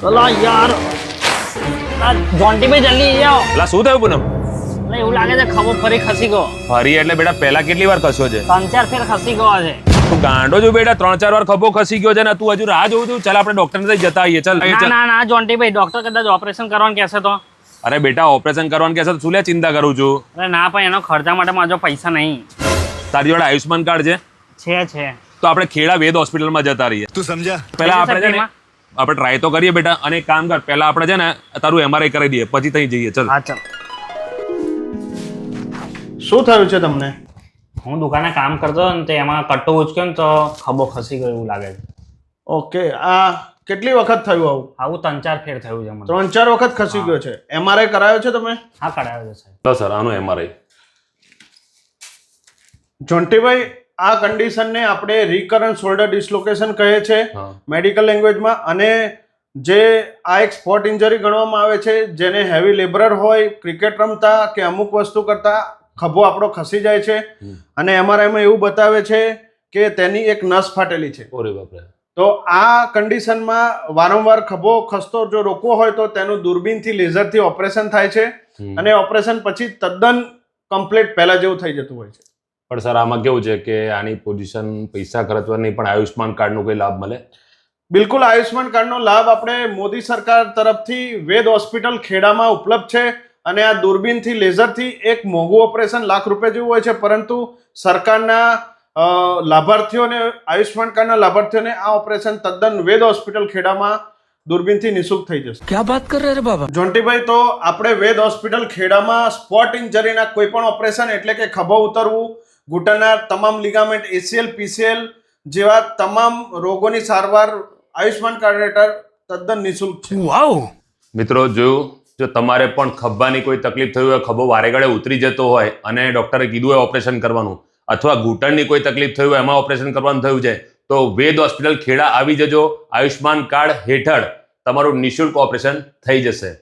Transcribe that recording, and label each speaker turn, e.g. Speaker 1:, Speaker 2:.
Speaker 1: અલા યાર આ જોન્ટીભાઈ જલ્દી આવો.
Speaker 2: એટલે શું થયું પૂનમ?
Speaker 1: એટલે એવું લાગે છે ખભો ફરી ખસી ગયો.
Speaker 2: ફરી એટલે બેટા પહેલા કેટલી વાર ખસ્યો છે?
Speaker 1: 3-4 ફેર ખસી ગયો છે.
Speaker 2: તું ગાંડો છો બેટા, 3-4 વાર ખભો ખસી ગયો છે ને તું હજુ રાહ જોઉં છું? ચાલ આપણે ડોક્ટર ને જતા આવીએ. ચાલ
Speaker 1: ના ના ના જોન્ટીભાઈ, ડોક્ટર કદાચ ઓપરેશન કરવાનું કહેશે તો.
Speaker 2: અરે બેટા ઓપરેશન કરવાનું કહેશે તો શું લે ચિંતા કરું છું?
Speaker 1: અરે ના પણ એનો ખર્ચા માટે મારા જોડે પૈસા નહીં.
Speaker 2: તારી જોડે આયુષ્માન કાર્ડ છે?
Speaker 1: છે
Speaker 2: તો આપણે ખેડા વેદ હોસ્પિટલમાં જતા રહીએ.
Speaker 3: તું સમજા?
Speaker 2: પહેલા આપણે છે ને આપણે ટ્રાય તો કરીએ બેટા, અને એક કામ કર, પહેલા આપણે છે ને તારું MRI કરી દઈએ પછી ત્યાં જઈએ. ચાલ.
Speaker 1: હા ચાલ.
Speaker 4: શું થયું છે તમને?
Speaker 1: હું દુકાને કામ કરતો હતો ને તે એમાં કટ્ટો ઉચક્યો ને તો ખભો ખસી ગયો એવું લાગે છે.
Speaker 4: ઓકે, આ કેટલી વખત થયું આવું?
Speaker 1: આવું 3-4 ફેર થયું છે મને.
Speaker 4: 3-4 વખત ખસી ગયો છે. MRI કરાયો છે તમે?
Speaker 1: હા કરાયો છે સાહેબ.
Speaker 2: લો સર આનું MRI.
Speaker 4: જોન્ટીભાઈ, આ કન્ડિશનને આપણે રિકરન્ટ શોલ્ડર ડિસ્લોકેશન કહે છે
Speaker 2: હા.
Speaker 4: મેડિકલ લેંગ્વેજમાં, અને જે આ એક સ્પોટ ઇન્જરી ગણવામાં આવે છે, જેને હેવી લેબરર હોય, ક્રિકેટ રમતા કે અમુક વસ્તુ કરતા ખભો આપણો ખસી જાય છે, અને MRIમાં એવું બતાવે છે કે તેની એક નસ ફાટેલી છે.
Speaker 2: ઓરે બાપરે.
Speaker 4: તો આ કન્ડિશનમાં વારંવાર ખભો ખસતો જો રોકવો હોય તો તેનું દૂરબીનથી લેઝરથી ઓપરેશન થાય છે, અને ઓપરેશન પછી તદ્દન કમ્પ્લીટ પહેલા જેવું થઈ જતું હોય છે.
Speaker 2: પણ સર આમાં કેવું છે કે આની પોઝિશન પૈસા ખર્ચવાની પણ આયુષ્માન કાર્ડનો કોઈ લાભ મળે?
Speaker 4: બિલકુલ, આયુષ્માન કાર્ડનો લાભ આપણે મોદી સરકાર તરફથી વેદ હોસ્પિટલ ખેડામાં ઉપલબ્ધ છે, અને આ દૂરબીનથી લેઝરથી એક મોંઘું ઓપરેશન ₹1,00,000 જેવું હોય છે, પરંતુ સરકારના લાભાર્થીઓને, આયુષ્માન કાર્ડના લાભાર્થીઓને આ ઓપરેશન તદ્દન વેદ હોસ્પિટલ ખેડામાં દૂરબીનથી નિઃશુલ્ક થઈ જશે.
Speaker 3: क्या बात कर रहे हैं बाबा?
Speaker 4: જોન્ટીભાઈ, તો આપણે વેદ હોસ્પિટલ ખેડામાં સ્પોટ ઇન્જરીના કોઈ પણ ઓપરેશન, એટલે કે ખભો ઉતરવું, ઘૂંટણના તમામ લિગામેન્ટ, ACL, PCL જેવા તમામ રોગોની સારવાર આયુષ્માન કાર્ડ હેઠળ તદ્દન નિઃશુલ્ક છે.
Speaker 3: वाओ!
Speaker 2: મિત્રો જોયું, જો તમારે પણ ખભાની કોઈ તકલીફ થઈ હોય, ખભો વારે ઘડે ઉતરી જતો હોય અને ડોક્ટરે કીધું હોય ઓપરેશન કરવાનું, અથવા ઘૂંટણની કોઈ તકલીફ થઈ હોય એમાં ઓપરેશન કરવાનું થયું છે, તો વેદ હોસ્પિટલ ખેડા આવી જજો. આયુષ્માન કાર્ડ હેઠળ તમારું નિઃશુલ્ક ઓપરેશન થઈ જશે.